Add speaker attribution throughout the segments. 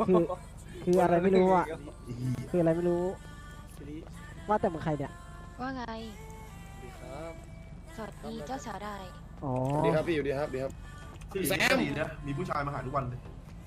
Speaker 1: คือคืออะไรไม่รู้อ่ะคืออะไรไม่รู้ว่าแต่มึงใครเนี่ย
Speaker 2: ว่าไง
Speaker 3: ครับ
Speaker 2: สวัสดีเจ้าสาวได้
Speaker 1: อ๋อ
Speaker 3: ดีครับพี่อยู่ดีครับดีครับ
Speaker 4: แซมดีนะมีผู้ชายมาหาทุกวันเลย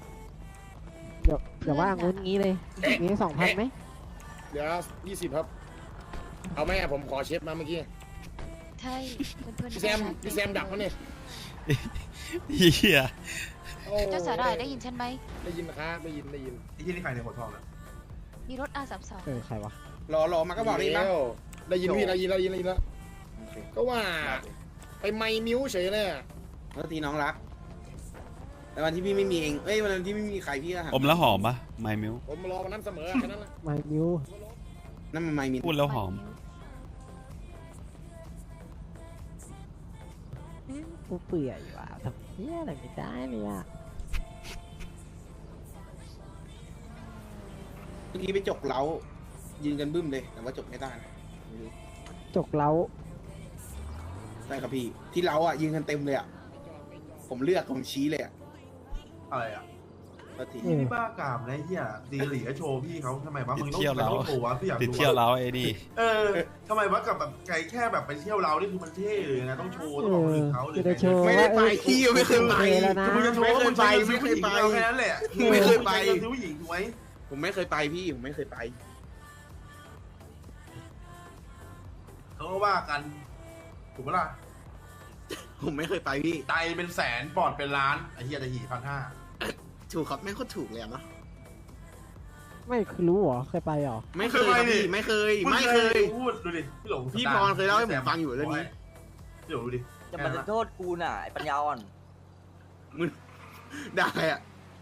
Speaker 1: เดี๋ยวว่างุ้นงี้เลยมี2,000ไหม
Speaker 3: เดี๋ยว20ครับ เอาไหมอะผมขอเชฟมาเมื่อกี้
Speaker 2: ใช่เพื่อนๆ
Speaker 3: พี่แซมดักเขาเนี่ย
Speaker 5: เฮีย
Speaker 3: โอ้
Speaker 2: เจ้าสาวได้ได้ยินฉันไหม
Speaker 3: ได้ยินนะครับได้ยิน
Speaker 4: ไอ้ที่นี่ใครในหัวทองนะ
Speaker 2: มีรถ R32
Speaker 1: ใครวะ
Speaker 6: รอมาก็บอกได้ปะ
Speaker 3: แล้วได้ยินพี่ได้ยินแล้วก็ว่าไปไมค์มิ้วเฉยเลยอะ
Speaker 6: ปกติน้องรักแต่วันที่พี่ไม่มีเองวันที่ไม่มีใครพี่ก็หา
Speaker 5: อมแล้วหอมปะไมมิว
Speaker 3: ผมรอวันนั้นเสมอแค่นั้นแหละ
Speaker 1: ไม่มิว
Speaker 6: นั่นมันไม่มี
Speaker 5: พูดแล้วหอม
Speaker 1: กูเปื่อยว่ะทำเหี้ยอะไรไม่ได้เลยอ่ะ
Speaker 6: เมื่อกี้ไปจกเล้ายืนกันบึ้มเลยแต่ว่าจกไม่ได้นะไม่รู้
Speaker 1: จกเล้า
Speaker 6: ได้ครับพี่ที่เล้าอ่ะยืนกันเต็มเลยอ่ะผมเลือกผมชี้เลยอ่ะ
Speaker 4: อะไรอ่ะ
Speaker 6: ก็ที
Speaker 4: พี่บ้ากามนะไอ้เหี้ยดีหลีก็โชว์พี่เขาทำไมวะมึงต้องโชว์วะพี่อยาก
Speaker 5: ติด
Speaker 4: ดู
Speaker 5: เที่ยวแล้วไอ้นี่
Speaker 4: ทำไมวะกับแบบไกลแค่แบบไปเที่ยวเรานี่คือมันเท่เลยนะต้องโชว์ต้องบอกคนอื่นเขาหรือ
Speaker 1: จะได้โชว์
Speaker 6: ไม่ได้ไปพี่ไม่เคยไป
Speaker 1: แล้วนะ
Speaker 4: มึงจะโชว์ว่ามึงใช้เงินซื้อผู้หญิงเราแค่นั้นแหละซื้อผู้หญิงถูกไหม
Speaker 6: ผมไม่เคยไปพี่ผมไม่เคยไป
Speaker 4: เขาก็ว่ากันถูกปะล่ะ
Speaker 6: ผมไม่เคยไปพี่
Speaker 4: ไตเป็นแสนปอดเป็นล้านไอ้เหี้ยจะหี1,500
Speaker 6: ถูกครับแม่งโคตรถูกเลยอะเนาะ
Speaker 1: ไม่คือรู้เหรอเคยไปเหรอ
Speaker 6: ไม่เคยครับพี่ไม่เคย
Speaker 4: พูดดูดิพี่หลง
Speaker 6: พี่พรเคยเล่าให้ผมฟังอยู่เรื่องนี้
Speaker 4: พี่หลงดูดิ
Speaker 7: จะมาโทษกูน่ะไอ้ปัญญาอ่อน
Speaker 6: มึงได้อะ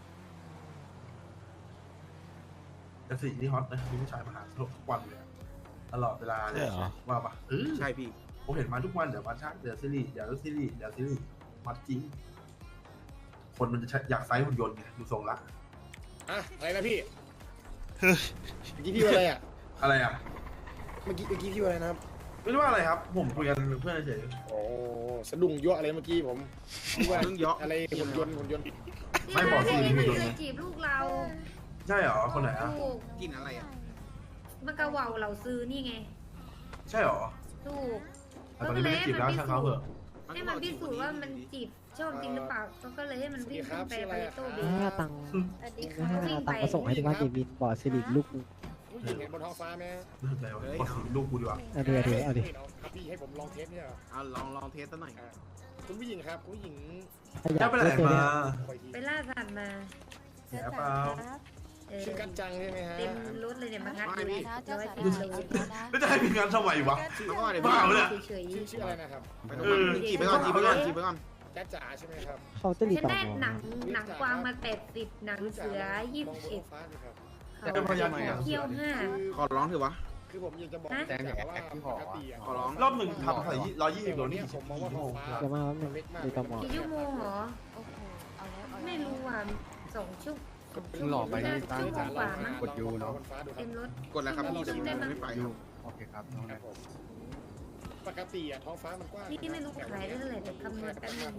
Speaker 4: แต่สิ่งที่ฮอตนะมีผู้ชายมาหาทุกวันเลยตลอดเวลาเลยว่าปะ
Speaker 6: ใช่พี่
Speaker 4: ผมเห็นมาทุกวันเดี๋ยวมาชักเดี๋ยวซีรีส์เดี๋ยวซีรีส์เดี๋ยวซีรีส์มัดจริงคนมันจะอยากไซส์หุ่นยนต์ไงดูทรงละ
Speaker 3: อะอะไรนะพี่เมื่อกี้พี่ว่าอะไรอะ
Speaker 4: อะไรอ่ะ
Speaker 3: เมื่อกี้พี่ว่าอะไรนะครับ
Speaker 4: ไม่รู้ว่าอะไรครับ ผมคุยกันเพื่อนเฉย
Speaker 3: โอ้สะดุ้งยั่วอะไรเมื่อกี้ผมว่า
Speaker 6: เรื่องเยอะ
Speaker 3: อะไรหุ่นยนต์
Speaker 4: ไม่บอกซีรีส์หุ่นยนต์
Speaker 8: เค
Speaker 4: ไง
Speaker 8: ยจีบลูกเรา
Speaker 4: ใช่เหรอคนไหนอ่ะ
Speaker 8: ถูก
Speaker 6: กินอะไรอ่ะ
Speaker 8: มันกระว่าเราซื้อนี่ไง
Speaker 4: ใช่เหรอ
Speaker 8: ถูก
Speaker 4: แต่ตอนนี้ไม่ได้จีบแล้วช่างเขาเถอะ
Speaker 8: ให้มันพิสูจน์ว่ามันจีบชอบจริงหรือเปล่าก็เลยให้มันวิ่งขึ้นไปไปโต้เบ
Speaker 1: ให้ตังค์
Speaker 8: สวัสดี
Speaker 1: ไม่
Speaker 8: ค่ะ
Speaker 1: ให้
Speaker 8: วิ่ง
Speaker 1: ตั
Speaker 8: ไป
Speaker 1: งค์มาส่งให้ที่บ้านเดวินบอดซิลิกลูกนึง
Speaker 3: ผู้หญิงบนท้องฟ้าไหม
Speaker 4: อะไรวะบอกสิลูกกูดีกว่า
Speaker 1: เอาดิ
Speaker 3: ครับพี่ให้ผมลองเทสเนี่ย
Speaker 6: เอาลองเทสซะหน่อย
Speaker 3: คุณผู้หญิงครับคุณผู้หญิง
Speaker 4: แล้ไปไหนมา
Speaker 3: คอยที
Speaker 8: ไปล่าสัตว์มา
Speaker 4: แย่เปล่า
Speaker 3: ชื่อกัจจังใช่ไหมฮะ
Speaker 8: เต็มรถเลยเนี่ยมางัด
Speaker 2: ไม่
Speaker 8: ดู
Speaker 2: พี่นะเจ้าสาวได้ยินแล้วนะ
Speaker 4: แล้วจะให้มีงานทำไมวะ
Speaker 6: แล้วก็อะไร
Speaker 4: บ้าปะเนี่ย
Speaker 8: เฉย
Speaker 3: ชื่ออะไรนะครับ
Speaker 6: จีบไปก่อน
Speaker 3: กัจจ๋าใช่ไหมครับ
Speaker 1: เขาจะรี
Speaker 8: ฉัน
Speaker 1: ต่อ
Speaker 8: ได้หนังกวางมา80หนังเสือ
Speaker 3: มองบนท้องฟ้า
Speaker 8: 21
Speaker 3: ไหมครับ
Speaker 8: เขาเที่ยว
Speaker 6: ขอร้องเถอะวะ
Speaker 3: คือผมอยากจะบอกว่าปกติ
Speaker 6: ขอร้อง
Speaker 4: รอบหนึ่งทำใส่120โลนี่
Speaker 3: ผมมองว่าท้องฟ้า
Speaker 1: เดี๋ยวมาแป๊บนึงดูต่อมอ
Speaker 8: 5กี่ชั่วโมงเหรอ
Speaker 2: โอ้โหเอาแล้วเอาแล้ว
Speaker 8: ไม่รู้อ่ะ2 ชั่ว
Speaker 3: หลอกไปนี่ตั้ง
Speaker 8: ชั่วโมงกว่ามั้ง
Speaker 3: กดยูเนาะ
Speaker 8: เต็มรถ
Speaker 6: กดแล้วครับพี่แต่ผมไม่ไปครับ
Speaker 3: โอเคครับปกติอะท้องฟ้ามันกว้าง
Speaker 8: นี่ไม่รู้ขายได้เท่าไหร่แต่คำนวณแป๊บนึง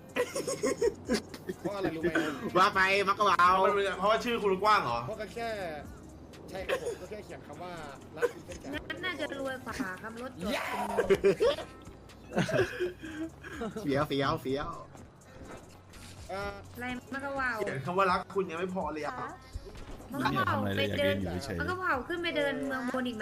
Speaker 3: เพราะอะไรรู้ไหม
Speaker 6: ว่าไปมักกะวาว
Speaker 4: เพราะว่าชื่อคุณกว้างเหรอ
Speaker 3: เพราะก็แค่ใช่ครับผมก็แค่เขียนคำว่ารักคุณเป็น
Speaker 8: งั้นน่าจะรวยกว่าครับรถจอด
Speaker 6: เฟี้ยว
Speaker 8: อะไรมันก็ว่าว
Speaker 4: เขียนคำว่ารักคุณยังไม่พอเลยอ่ะ
Speaker 8: มันก็ว่าวไปเดินมันก็ว่าวขึ้นไปเดินเมืองบนอีกไหม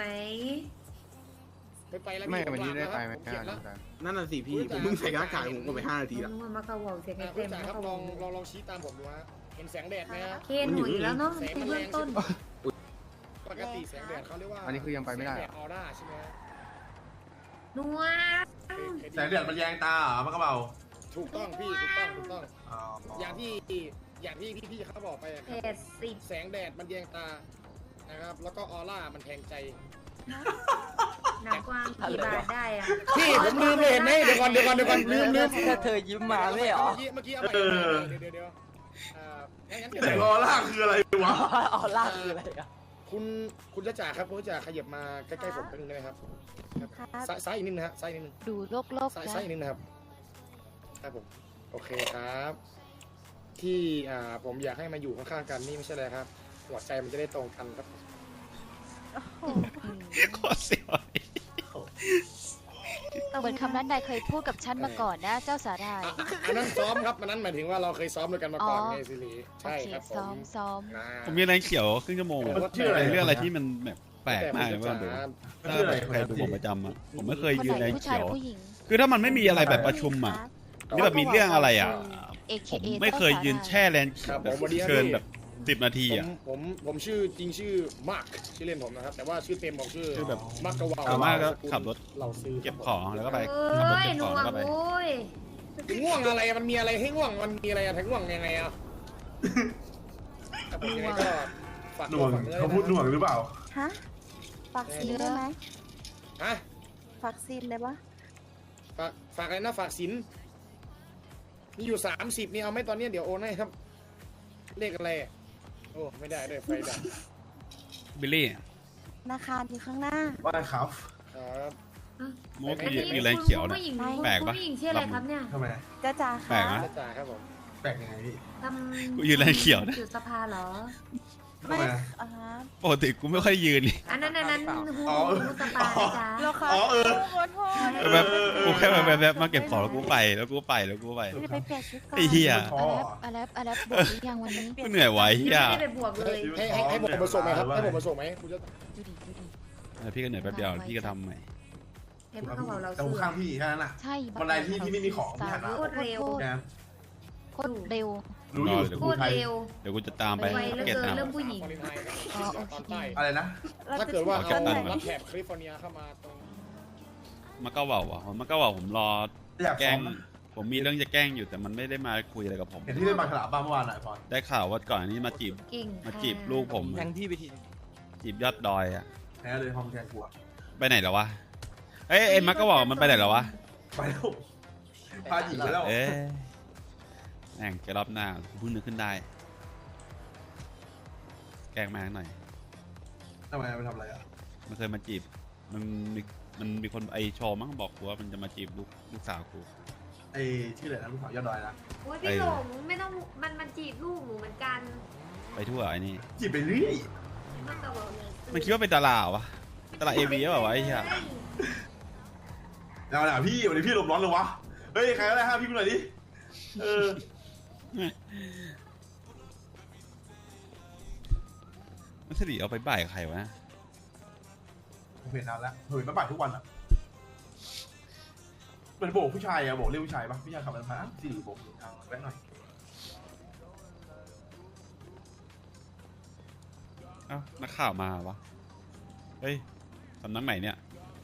Speaker 3: ไปแล้ว
Speaker 9: ไม่วันนี้ได้ไปไหม
Speaker 3: เขียนแล้ว
Speaker 6: นั่นน่ะสิพี่ผมเพิ่งใส่กระต่ายผมก็ไป5 นาทีละ
Speaker 8: มันก็ว่าวเสียง
Speaker 3: คุ
Speaker 8: เต็
Speaker 3: ณ
Speaker 8: ม
Speaker 3: จ๋า
Speaker 8: มัน
Speaker 3: ครับ
Speaker 8: ก็
Speaker 3: ล
Speaker 8: ว่า
Speaker 3: อ
Speaker 8: ว
Speaker 3: งลองชี้ตามผมดูฮะเห็นแสงแดดไหมฮะ
Speaker 8: เคนหนูอยู่แล้วเนาะในเบื้องต้น
Speaker 3: ปกติแสงแดดเขาเรียกว่า
Speaker 9: อันนี้คือยังไปไม่ได้
Speaker 3: แสงแดดออร่าใช่ไหมฮะ
Speaker 8: นัว
Speaker 4: แสงเดือดมันแยงตาเหรอมันก็เบา
Speaker 3: ถูกต้องพี่ถูกต้องอย่างที่พี่เขาบอกไปอะครับ
Speaker 8: 80
Speaker 3: แสงแดดมันแยงตานะครับแล้วก็ออร่ามันแทงใจ
Speaker 8: หนังกวางกี่บาทได้อะ
Speaker 3: พี่ผมลืมเลยเห็นไหมเดี๋ยวก่อนลืม
Speaker 7: ถ้าเธอยิ้มมาไม่เหรอ
Speaker 3: เมื่อกี้เอาไปเดี๋ยวงั้น
Speaker 4: แต่ออร่าคืออะไรวะ
Speaker 7: ออล่าคืออะไรอ่ะ
Speaker 3: คุณจ๋าครับคุณจ๋าขยับมาใกล้ๆผมเป็นงได้ไหมครับ
Speaker 2: ครับ
Speaker 3: ซ้ายอีกนิดนะฮะซ้ายนิดนึง
Speaker 2: ดูโลกๆ
Speaker 3: ซ้าย
Speaker 2: นะ
Speaker 3: อีกนิดนะครับครับผมโอเคครับ ที่ผมอยากให้มาอยู่ข้างๆกันนี่ไม่ใช่อะไรครับหัวใจมันจะได้ตรงกันครับ
Speaker 5: โคตรเสียว
Speaker 2: เหมือนคำนั้นนายเคยพูดกับฉันมาก่อนนะ เจ้าสาหร่าย
Speaker 3: อันนั้นซ้อมครับอันนั้นหมายถึงว่าเราเคยซ้อมด้วยกันมาก่อน
Speaker 2: อ๋อ
Speaker 3: ไงสิริ
Speaker 2: โอ
Speaker 3: ใช่
Speaker 2: เค
Speaker 3: ครับผ
Speaker 2: ซ้อ
Speaker 3: ม
Speaker 2: มซ้อม
Speaker 3: นะ
Speaker 5: ผมมีแรงเขียวครึ่งชั่วโมง
Speaker 3: ชื่ออะไร
Speaker 5: เรื่องอะไรที่มันแบบแปลกมากเลยว่าดู
Speaker 3: แต่
Speaker 5: ถ้าแบบใครดูผมประจำอ่ะผมไม่เคย
Speaker 2: คน
Speaker 5: ยืน
Speaker 2: ไหน
Speaker 5: แรง
Speaker 2: ผู้
Speaker 5: เขี
Speaker 2: ชาย
Speaker 5: ยว
Speaker 2: ผู้หญิง คือ
Speaker 5: คือถ้ามันไม่มีอะไรแบบประชุมอ่ะนี่แบบมีเรื่องอะไรอ่ะ
Speaker 2: AKA
Speaker 5: ผมไม่เคยยืนแช่แรงเขียวแบบเกินแบบ10 นาทีอ่ะ
Speaker 3: ผมชื่อจริงชื่อมาร์คชื่อเล่นผมนะครับแต่ว่าชื่อเต็มของชื่อ
Speaker 5: ชื่อแบบ
Speaker 3: มาร์คกะวาว
Speaker 5: ส่วนมากก็ขับรถ
Speaker 3: เราซื้อ
Speaker 5: เก็บของแล้วก็ไป
Speaker 8: เอ
Speaker 5: ขับรถ้
Speaker 8: ย
Speaker 5: เก็บ
Speaker 8: ห
Speaker 5: ข
Speaker 8: น่
Speaker 5: อง
Speaker 8: ว
Speaker 5: แล้ว
Speaker 8: ง
Speaker 5: ก็ไป
Speaker 8: โอ้ย
Speaker 3: ง่วงอะไรมันมีอะไรให้ง่วงมันมีอะไรอะถ้าง่วงยังไงอะแต่ผมยังไงก็ฝาก
Speaker 4: หน่วง
Speaker 3: ฝากนื้อ
Speaker 4: เขาพูดหน่วงหรือเปล่า
Speaker 9: ฮะฝากซีนได้ไหม
Speaker 3: ฮะ
Speaker 9: ฝากซีนได้ปะ
Speaker 3: ฝากอะไรนะฝากสินมีอยู่30นี่เอาไหมตอนนี้เดี๋ยวโอนให้ครับเลขอะไรอะโอ้ไม่ได้ด้วยไฟดับ
Speaker 5: บิลลี่
Speaker 9: ธนาคารอยู่ข้างหน้า
Speaker 4: ว่าครับ
Speaker 3: ครับ
Speaker 5: โมกมีแรงเขียวนะ
Speaker 8: ผู้หญิง
Speaker 5: แปลกปะ
Speaker 8: ผู้หญิงชื่ออะไรครับเนี่ย
Speaker 4: ทำไม
Speaker 9: จ้าจ๋า
Speaker 5: แปล
Speaker 9: ค่ะ
Speaker 5: กนะ
Speaker 3: จ้าจ๋าครับผม
Speaker 4: แปลกยังไงพี่
Speaker 8: ทำ
Speaker 5: กูยืนแรงเขียวนะ
Speaker 8: จุดสภาเหรอ
Speaker 4: ทำ
Speaker 9: ไม่
Speaker 4: ไม
Speaker 9: อ่าฮะ
Speaker 5: ปกติกูไม่ค่อยยืนนี่
Speaker 8: อันนั้นหู
Speaker 4: อ๋อ
Speaker 8: สปานะจ๊ะ
Speaker 9: โลค่ะ
Speaker 4: อ๋อเออ
Speaker 9: ขอโทษ
Speaker 5: แบบกูแค่แบบมาเก็บของแล้วกูไปแล้วกูไปแล้วกูไป
Speaker 9: ไม่ได้ไปเปลี่ยนชุดก่อน
Speaker 5: ไอ้เหี้ย
Speaker 4: อ๋อ
Speaker 2: อแลบบอกหรือยังวันนี้
Speaker 5: กูเหนื่อยไว้เหี้ย
Speaker 8: ไม่ได้ไปบวกเลย
Speaker 3: ให้ผมมาส่งไหมครับให้ผมมาส่งไหมคุณจะ
Speaker 2: ดูดิดูดิ
Speaker 5: พี่ก็เหนื่อยแป๊บเดียวพี่ก็ทำใหม่
Speaker 8: เห็นเขาบอกเรา
Speaker 4: แต่ผม
Speaker 8: ซื้อ
Speaker 4: ข้างพี่แค่นั้นน่ะ
Speaker 2: ใช่
Speaker 4: วันใดที่ไม่มีของพี่หันมา
Speaker 8: โคตรเร็ว
Speaker 4: แก
Speaker 2: โคตรเร็ว
Speaker 4: รู้อยู่
Speaker 8: โคตรเร็ว
Speaker 5: เดี๋ยวกูจะตามไป
Speaker 8: ไวเหลือ
Speaker 5: เก็ต
Speaker 8: เกิน
Speaker 5: นะ
Speaker 8: เรื่องผู้หญิง
Speaker 2: อ๋อโอเค
Speaker 3: ตอนใต้
Speaker 4: อะไรนะ
Speaker 3: ถ้าเกิดว่า
Speaker 5: เอา
Speaker 3: เอา
Speaker 5: เก็บตังค์
Speaker 3: รับแถบแคลิฟอร์เนียเข้ามาตรง
Speaker 5: มาก็ว่ามาก็ว่าผมรอ
Speaker 4: อยาก
Speaker 5: แกล้
Speaker 4: ซ้อง ม
Speaker 5: ผมมีเรื่องจะแกล้งอยู่แต่มันไม่ได้มาคุยอะไรกับผม
Speaker 4: เห็นที่เล่นบางขลาบ้างเมื่อวานหน่อยพอน
Speaker 5: ได้ข่าวว่าก่อนอันนี้มาจีบ
Speaker 8: กิ่ง
Speaker 5: มาจีบลูกผม
Speaker 7: แทงพี่ไปที
Speaker 5: จีบยอดดอยอ่ะ
Speaker 4: แพ้เลยห้องแกงกลัว
Speaker 5: ไปไหนแล้ววะเอ้ยมักก็บอกมันไปไหนแล้ววะ
Speaker 4: ไปแล้วพาหญิงไปแล้ว
Speaker 5: เอ๊ะแม่งจะรอบหน้าเพิ่งนึกขึ้นได้ แกล้งมาหน่อย
Speaker 4: ทำไมไปทำอะไรอ่ะ
Speaker 5: มันเคยมาจีบมันมีคนไอโชว์มั้งบอกกูว่ามันจะมาจีบลูกสาวกู
Speaker 4: ไอ้ชื่ออะไรนะลูกสาวยอดดอยนะ
Speaker 8: โอ้ยพี่หลงไม่ต้องมันจีบลูกหนูเหมือนกัน
Speaker 5: ไปทั่วไอ้นี่
Speaker 4: จีบไปเรื่อย
Speaker 8: มันก็บอกเลย
Speaker 5: มันคิดว่าเป็นดาราเหรอวะดาราเอวีหรือเปล่าวะไอ้เหี้ย
Speaker 4: เอาหน่ะพี่วันนี้พี่ลมร้อนเลยวะเฮ้ยใครก็ได้ห้ามพี่กูหน่อยดิเออ
Speaker 5: มันสิริเอาไปบ่ายกับใครวะ
Speaker 4: ผมเห็นนานแล้วผมเห็นมาบ่ายทุกวันอ่ะเหมือนโบกผู้ชายอะโบกเรียกผู้ชายปะผู้ชายขับรถมาสี่โบกทางแวะหน่อย
Speaker 5: เอ้านักข่าวมาวะเฮ้ยสำนักไหนเนี่ย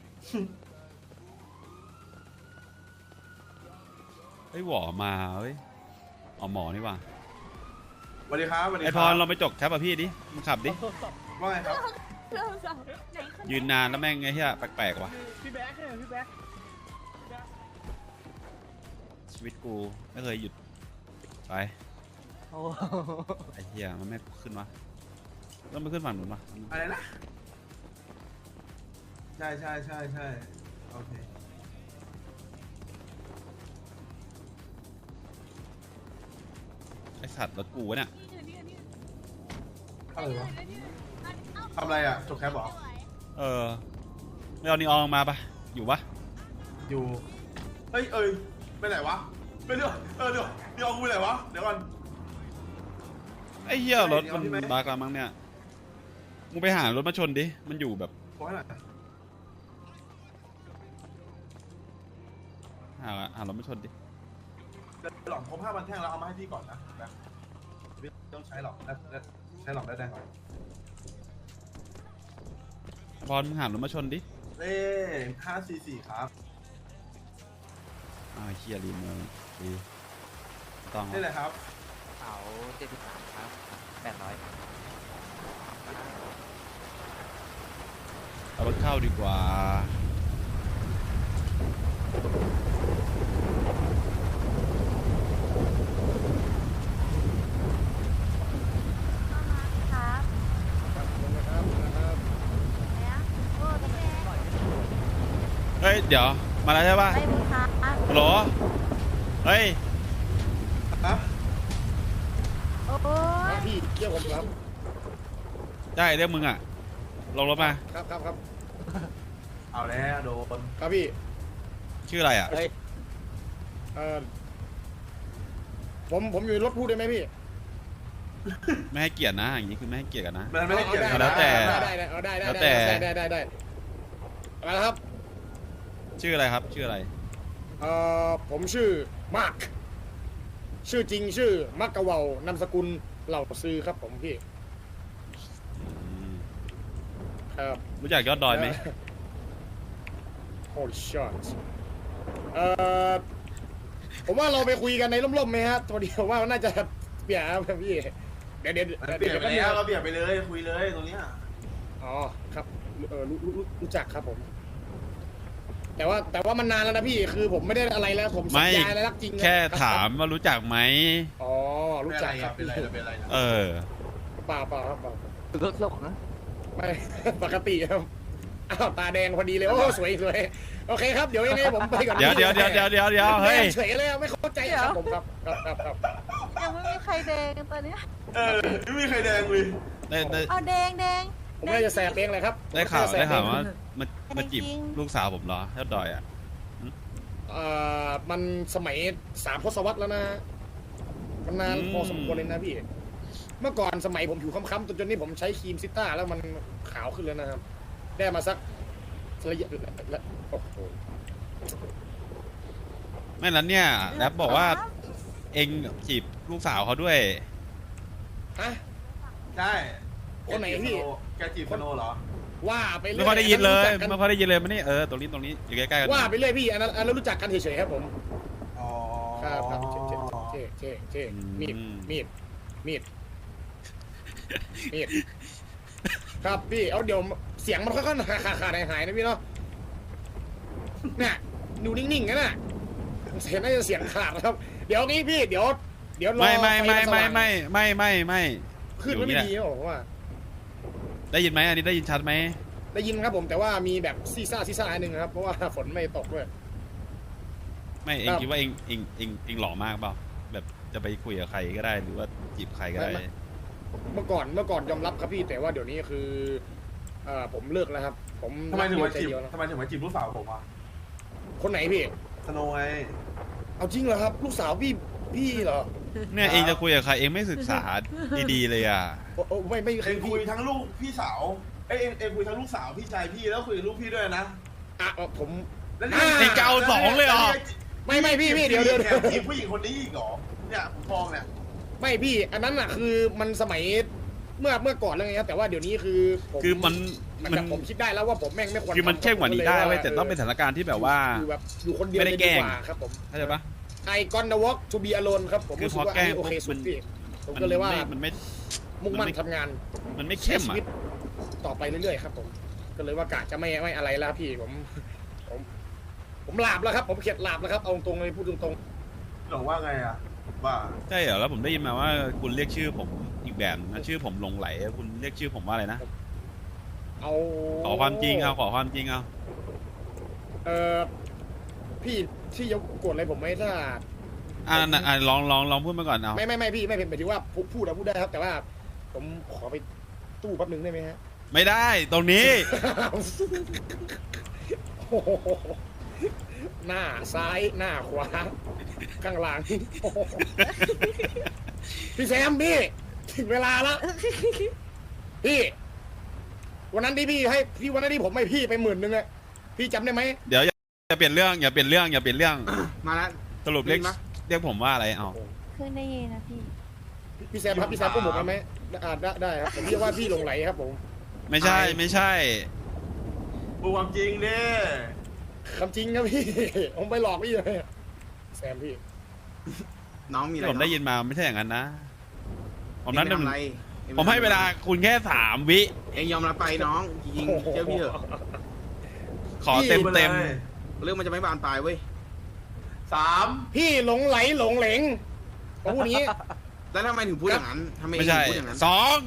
Speaker 5: เฮ้ยหวอมาเฮ้ยอ๋อหมอนี่ว่ะ
Speaker 4: สวัสดีครับสวัสดี
Speaker 5: ไอ
Speaker 4: ค
Speaker 5: พ
Speaker 4: รั
Speaker 5: ร
Speaker 4: บ
Speaker 5: เราไปจกแคปอ่ะพี่ดิมึงขับดิ
Speaker 4: ว่าไงครับ
Speaker 5: ยืนนานแล้วแม่งไงเฮียแปลกๆว่ะ
Speaker 7: พี่แบ๊กเนี่ยพี่แบ๊ก
Speaker 5: ชีวิตกูไม่เคยหยุดไป
Speaker 7: โอ้
Speaker 5: ไอ้เฮียมันไม่ขึ้นวะต้องไปขึ้นฝั่งหนุนวะ
Speaker 4: อะไรนะใช่ใช่ใช่ใช่โอเค
Speaker 5: ไอสัตว์รถกูวะเนี่ย
Speaker 4: อะไรวะทำอะไรอ่ะจบแคปเหรอ
Speaker 5: เออไม่เอานีออนมาปะอยู่ปะ
Speaker 4: อยู่เฮ้ยเอ้ยไปไหนวะไปเดี๋ยวเดี๋ยวเดี๋ยวกูไปไหนวะเดี๋ยวก่อน
Speaker 5: ไอ้เฮียรถมัน
Speaker 4: นีออนที่ไหน
Speaker 5: บากแล้วมั้งเนี่ยมึงไปหารถมาชนดิมันอยู่แบบ
Speaker 4: ขอให้หน่อย
Speaker 5: หารถมาชนดิ
Speaker 4: เดี๋ยวหลอมครบ5,000แท่งแล้วเอามาให้พี่ก่อนนะแบบไม่ต้องใช้หรอกใช้หลอมได้แดงก่อน
Speaker 5: พรมึงหารถมาชนดิ
Speaker 4: เลข544ครับ
Speaker 5: อ้าวไอ้เฮียรีโมทดีต้อง
Speaker 4: นี่เลยครับ
Speaker 7: เสา73ครับ800
Speaker 5: เอารถเข้าดีกว่า
Speaker 9: ครับ
Speaker 3: นะครับนะครับ
Speaker 9: แล้วโอ้พี่แจ๊ค
Speaker 5: เฮ้ยเดี๋ยวมาแล้วใช่ปะ
Speaker 9: ไปมึงครับ
Speaker 5: ฮัลโหลเฮ้ย
Speaker 4: ฮะ
Speaker 9: โอ้ย
Speaker 3: พี่เกี่ยวผมครับ
Speaker 5: ได้เรียกมึงอ่ะลงรถมา
Speaker 3: ครับครับครับ
Speaker 4: เอาแล้วโดน
Speaker 3: ครับพี่
Speaker 5: ชื่ออะไรอ่ะ
Speaker 3: เออผมอยู่ในรถพูดได้ไหมพี่
Speaker 5: ไม่ให้เกียรตินะอย่างนี้คือไม่ให้เกียรติกันนะ
Speaker 4: มันไม่ได้เกี่ยว
Speaker 3: อา
Speaker 5: แล้วแต่
Speaker 3: ได้ได้
Speaker 5: แล้วแต่
Speaker 3: ได้มาแล้วครับ
Speaker 5: ชื่ออะไรครับชื่ออะไร
Speaker 3: ผมชื่อมาร์คชื่อจริงชื่อมักกะเวานามสกุลเหล่าซื้อครับผมพี่ ครับ
Speaker 5: รู้จักยอดดอยไหม
Speaker 3: Holy shit ผมว่าเราไปคุยกันในร่มๆไหมฮะตัวเดียวว่าน่าจะเปลี่ยนครับพี่เดี๋ยว
Speaker 4: มันเปลี่ยนไปแล้วเราเปลี่ยนไปเลยคุยเลยตรงเนี้ย
Speaker 3: อ๋อครับรู้จักครับผม แต่ว่ามันนานแล้วนะพี่คือผมไม่ได้อะไรแล้วผมสัญญาอะไรรักจริงนะ
Speaker 5: แค่
Speaker 3: รับ
Speaker 5: ถามว่ารู้จักไหม
Speaker 3: อ๋อรู้จักครับ
Speaker 4: เป็นอะไร
Speaker 5: เออ
Speaker 3: เปล่าครับเปล่าร
Speaker 7: ถหลงนะ
Speaker 3: ไม่ ปกติครับอ้าวตาแดงพอดีเลยโอ้สวยโอเคครับเดี๋ยวยังไงผมไปก่อน
Speaker 5: เดี๋ยวเฮ้ย
Speaker 3: เฉยเลยไม่เข้าใจครับผมครับ
Speaker 9: ยังไม่มีใครแดงตอนเนี้ย
Speaker 4: ไม่มีใครแดงเลย
Speaker 5: ได้
Speaker 9: เอาแดง
Speaker 3: ผมน่าจะแสบเองเลยครับ
Speaker 5: ได้ข่าวว่ามาจีบ
Speaker 9: จริง
Speaker 5: ลูกสาวผมเหรอยอดดอยอ่ะ
Speaker 3: มันสมัย3 ทศวรรษแล้วนะมันนานพอสมควรเลยนะพี่เมื่อก่อนสมัยผมผิวค้ำๆจนนี่ผมใช้ครีมซิต้าแล้วมันขาวขึ้นแล้วนะครับได้มาสักระยะโอ้โห
Speaker 5: ไม่นั้นเนี่ยแรปบอกว่าเองจีบลูกสาวเขาด้วย
Speaker 3: ฮะ
Speaker 4: ใช่
Speaker 3: คนไหนพี่
Speaker 4: แกจีบสโนเหรอ
Speaker 3: ว่าไปเรื่
Speaker 5: ไม่
Speaker 3: อย
Speaker 5: ค่อยได้ยินเลย
Speaker 3: อั
Speaker 5: ไม่ค่อยได้ยินเลยมานี่ตรงนี้อยู่ใกล้ๆกัน
Speaker 3: ว่าไปเรื่อยพี่อันนั้นรู้จักกันเฉยๆครับผม
Speaker 4: อ๋อ
Speaker 3: ครับเจ๊มีดครับพี่เอาเดี๋ยวเสียงมันค่อยๆขาดหายนะพี่เนาะเนี่ยดูนิ่งๆนะน่ะเสียงน่าจะเสียงขาดครับ เดี๋ยวนี้พี่เดี๋ยวรอ
Speaker 5: ไม่
Speaker 3: ฟนสว่าง ขึ้นมันไม่ดีนะผมว่า
Speaker 5: ได้ยินไหมอันนี้ได้ยินชัดไหม
Speaker 3: ได้ยินครับผมแต่ว่ามีแบบซีซ่าอันหนึ่งครับเพราะว่าฝนไม่ตกด้วย
Speaker 5: ไม่เองคิดว่าเองหล่อมากเปล่าแบบจะไปคุยกับใครก็ได้หรือว่าจีบใครก็ได้
Speaker 3: เมื่อก่อนยอมรับครับพี่แต่ว่าเดี๋ยวนี้คือผมเลิกแล้วครับ ผม
Speaker 4: ทำไมถึงมา
Speaker 3: ใจ
Speaker 4: จีบ
Speaker 3: เดียวนะ
Speaker 4: ทำไมถึงมาจีบลูกสาวผมอ่ะ
Speaker 3: คนไหนพี่
Speaker 4: สโนไง
Speaker 3: เอาจริงเหรอครับ ลูกสาวพี่เหรอ
Speaker 5: เนี่ยเองจะคุยกับใครเองไม่ศึกษาดีๆเลยอ่ะ
Speaker 3: โอ้ไม่
Speaker 4: เองคุยทั้งลูกพี่สาวเองคุยทั้งลูกสาวพี่ชายพี่แล้วคุยกับลูกพี่ด้วยนะ
Speaker 3: ผม
Speaker 4: แล้ว
Speaker 5: เองจะเอาสองเลยเหรอ
Speaker 3: ไม่พี่เดี๋ยว
Speaker 4: แถมจีบผู้หญิงคนนี้อีกเหรอเนี่ยผมมองเนี่ย
Speaker 3: ไม่พี่อันนั้นอ่ะคือมันสมัยเมื่อก่อนแล้วไงครับแต่ว่าเดี๋ยวนี้คือผม
Speaker 5: คือมัน
Speaker 3: ผมคิดได้แล้วว่าผมแม่งไม่ควร
Speaker 5: คือมันเข้มกว่านี้ได้เว้ยแต่ต้องเป็นสถานการณ์ที่แบบว่า
Speaker 3: คือแบบอยู่คนเดียว
Speaker 5: ไม่ได้แกล้ง
Speaker 3: เลยว่าครับผม
Speaker 5: เข้าใจปะ
Speaker 3: I gonna walk to be alone ครับผม
Speaker 5: คือ
Speaker 3: รู้สึกว่า
Speaker 5: พอแกล้ง
Speaker 3: อันนี้โอเค
Speaker 5: ปุ๊
Speaker 3: สุ
Speaker 5: บ
Speaker 3: ดพี่ผมก็เลยว่า
Speaker 5: มันไม่
Speaker 3: มุ่งมั่นทำงาน
Speaker 5: มันไม่
Speaker 3: ใช้
Speaker 5: เข้ม
Speaker 3: ชี
Speaker 5: อ่ะ
Speaker 3: วิตต่อไปเรื่อยๆครับผมก็เลยว่ากะจะไม่อะไรแล้วพี่ผมหลาบแล้วครับ ผมเข็ดหลาบแล้วครับเอาตรงๆเลยพูดตรง
Speaker 4: หลงว่าไงอ่ะว่า
Speaker 5: ใช่เหรอแล้วผมได้ยินมาว่าคุณเรียกชื่อผมอีกแบบนะชื่อผมหลงไหลคุณเรียกชื่อผมว่าอะไรนะ
Speaker 3: ๆเอา
Speaker 5: ขอความจริงเอาขอความจริงเอา
Speaker 3: พี่ที่ยกโกรธอะไรผมไหมถ้า
Speaker 5: ลองพูดมาก่อนเอา
Speaker 3: ไม่พี่ไม่เป็นหมายถึงว่าพูดได้ครับ แต่ว่า ผมขอไปตู้แป๊บนึงได้ไหมฮะ
Speaker 5: ไม่ได้ตรงนี้
Speaker 3: โอ้โหหน้าซ้ายหน้าขวาข้างหลังโอ้โหพี่แซมพี่ถึงเวลาแล้วพี่วันนั้นที่วันนั้นที่ผมให้พี่ไป10,000อะพี่จำได้ไหม
Speaker 5: เดี๋ยวอย่าเปลี่ยนเรื่องอย่าเปลี่ยนเรื่อง
Speaker 6: มาแล้ว
Speaker 5: สรุปเรียกผมว่าอะไรเอา
Speaker 9: ขึ้นได้ยินนะพี่
Speaker 3: พี่แซมครับพี่แซมพูดผมได้ไหมได้ครับผมเรียกว่าพี่หลงไหลครับผม
Speaker 5: ไม่ใช่
Speaker 4: พูดความจริงดิ
Speaker 3: คำจริงครับพี่ผมไปหลอกพี่เลยแซมพี่
Speaker 6: น้องมีอะไร
Speaker 5: ที่ผมได้ยินมาไม่ใช่อย่างนั้นนะผม
Speaker 6: นั้
Speaker 5: นั้น น
Speaker 6: อะไร
Speaker 5: ผมให้เวลาคุณแค่3 วิ
Speaker 6: เองยอมรับไปน้องจริงๆเชื่อพี่เถอะ
Speaker 5: ขอเต็ม
Speaker 4: เลย
Speaker 6: เรื่องมันจะไม่บานปลายเว้ย
Speaker 4: 3
Speaker 3: พี่หลงไหลหลงเหลงผมพูดอย่างนี้
Speaker 6: แล้วทำไมถึงพูดอย่างนั้นทำไม
Speaker 5: ไม่
Speaker 6: ถึ
Speaker 5: ใช่
Speaker 6: งพูดอย่างนั้น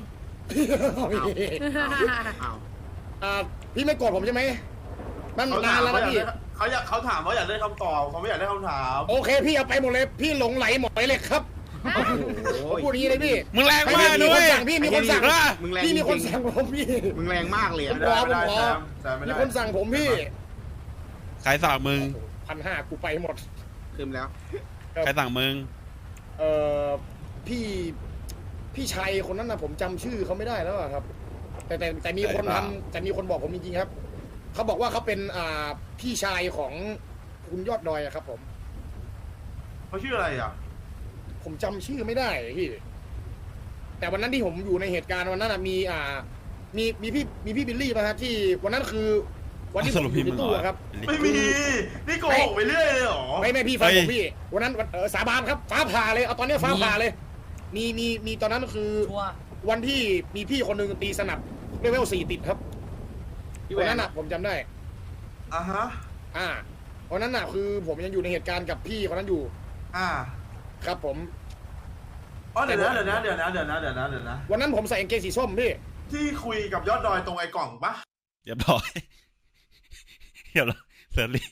Speaker 6: อ้าว
Speaker 3: พี่ไม่โกรธผมใช่ไหมมัน
Speaker 4: เขา
Speaker 3: นานแล้วนะพี่
Speaker 4: เขาถามว่าอยากได้คำตอบเขาไม่อยากได้คำถาม
Speaker 3: โอเคพี่เอาไปหมดเลยพี่หลงไหลหมอยเหล็กครับพูดอย่างนี้เลยพี่
Speaker 5: มึงแรงมากด้วย
Speaker 3: พี่มีคนสั่ง
Speaker 6: มึงแรง
Speaker 3: พี่มีคน
Speaker 6: จริง
Speaker 3: สั่งผมพี่
Speaker 6: มึงแรงมากเลย
Speaker 3: ผ
Speaker 6: อะ
Speaker 3: มขอ
Speaker 4: ไม่ได้แซมไม่
Speaker 3: มี
Speaker 4: ได้
Speaker 3: คนสั่งผมพี่
Speaker 5: ใครสั่งมึง
Speaker 3: 1,500กูไปหมด
Speaker 6: คืมแล้ว
Speaker 5: ใครสั่งมึง
Speaker 3: เอ่อพี่ชัยคนนั้นนะผมจำชื่อเขาไม่ได้แล้วอะครับ แต่มีคน
Speaker 5: ใช่เปล่า
Speaker 3: ทำแต่มีคนบอกผมจริงๆครับเขาบอกว่าเขาเป็นพี่ชายของคุณยอดดอยอะครับ ผม
Speaker 4: เขาชื่ออะไรอ่ะ
Speaker 3: ผมจำชื่อไม่ได้พี่แต่วันนั้นที่ผมอยู่ในเหตุการณ์วันนั้นมีพี่บิลลี่มาฮะที่วันนั้นคือวันที่
Speaker 5: ส
Speaker 3: ผม
Speaker 5: รุป
Speaker 3: อ
Speaker 5: พี่
Speaker 3: ยู่
Speaker 5: มึ
Speaker 3: ใน
Speaker 5: งเหร
Speaker 3: ตู้
Speaker 5: อ
Speaker 3: อะครับ
Speaker 4: ไม่มีนี่โกหกไปเรื่อยเลยเหรอ
Speaker 3: ไม่พี่ฟัง
Speaker 5: เฮ้
Speaker 3: ผ
Speaker 5: ย
Speaker 3: มพี่วันนั้นสาบานครับฟ้าผ่าเลยเอาตอนนี้ฟ้าผ่าเลย มีตอนนั้นคือวันที่มีพี่คนหนึ่งตีสนับเลเวล4ติดครับวันนั้นผมจำได้
Speaker 4: อ่ะฮะ
Speaker 3: วันนั้นคือผมยังอยู่ในเหตุการณ์กับพี่คนนั้นอยู่ ครับผม
Speaker 4: อ๋อเดี๋ยวนะ
Speaker 3: วันนั้นผมใส่กางเกงสีส้มพี่
Speaker 4: ที่คุยกับยอดดอยตรงไอ้กล่องปะ
Speaker 5: เรียบร้อยเรียบร้อยเสร็จเลย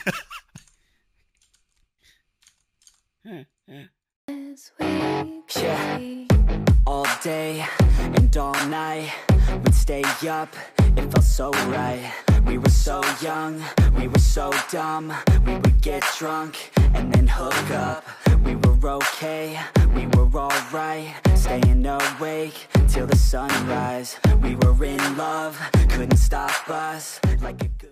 Speaker 10: Yeah, all day and all night, we'd stay up, it felt so right. We were so young, we were so dumb, we would get drunk and then hook up. We were okay, we were alright, staying awake till the sunrise. We were in love, couldn't stop us like a good